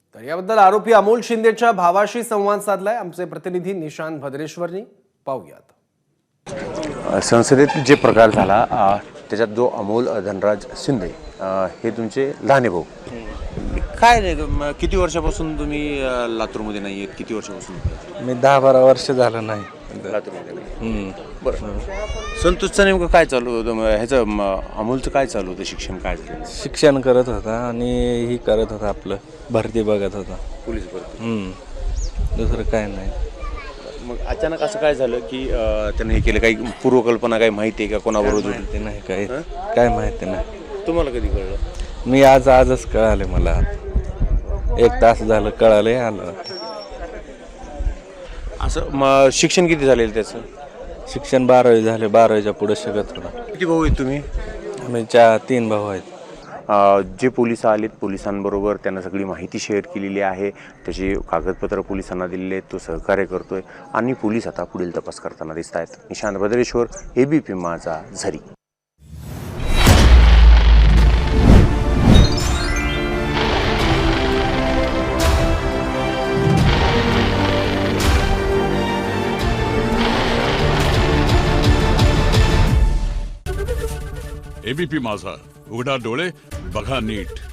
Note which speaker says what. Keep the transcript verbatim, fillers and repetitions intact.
Speaker 1: तर याबद्दल आरोपी अमोल शिंदेच्या भावाशी संवाद साधलाय आमचे प्रतिनिधी निशांत भद्रेश्वरनी. पाहूयात.
Speaker 2: संसदेत जे प्रकार झाला त्याच्यात जो अमोल धनराज शिंदे हे तुमचे लहाने भाऊ, काय रे म- किती वर्षापासून तुम्ही अ, लातूरमध्ये नाही आहेत? किती वर्षापासून
Speaker 3: मी दहा बारा वर्ष झालं नाही.
Speaker 2: लातूरमध्ये नाही?
Speaker 3: हम्म.
Speaker 2: बरं. संतोषचं नेमकं काय चालू होतं? म- ह्याचं म- अमोलचं काय चालू होतं? शिक्षण काय झालं?
Speaker 3: शिक्षण करत होता आणि ही करत होता, आपलं भरती बघत होता.
Speaker 2: पोलीस भरती.
Speaker 3: हम्म. दुसरं काय नाही.
Speaker 2: मग अचानक असं काय झालं की अ, त्यानं हे केलं? काही पूर्वकल्पना काही माहिती आहे का कोणाबरोबर होती?
Speaker 3: माहिती नाही काय काय माहिती नाही.
Speaker 2: तुम्हाला कधी कळलं?
Speaker 3: मी आज आजच कळाले मला. एक तास झालं कळाले आलं.
Speaker 2: असं मग शिक्षण किती झालेलं त्याचं?
Speaker 3: शिक्षण बारावी झाले, बारावीच्या पुढे शिकत होता.
Speaker 2: किती भाऊ आहेत तुम्ही?
Speaker 3: आम्ही चार तीन भाऊ आहेत.
Speaker 2: अ, जे पोलिस आलेत, पोलिसांबरोबर त्यांना सगळी माहिती शेअर केलेली आहे, त्याची कागदपत्र पोलिसांना दिलेले आहेत, तो सहकार्य करतोय आणि पोलीस आता पुढील तपास करताना दिसत आहेत. निशांत भद्रेश्वर, एबीपी माझा, झरी.
Speaker 4: एबीपी माझा, उघडा डोळे बघा नीट.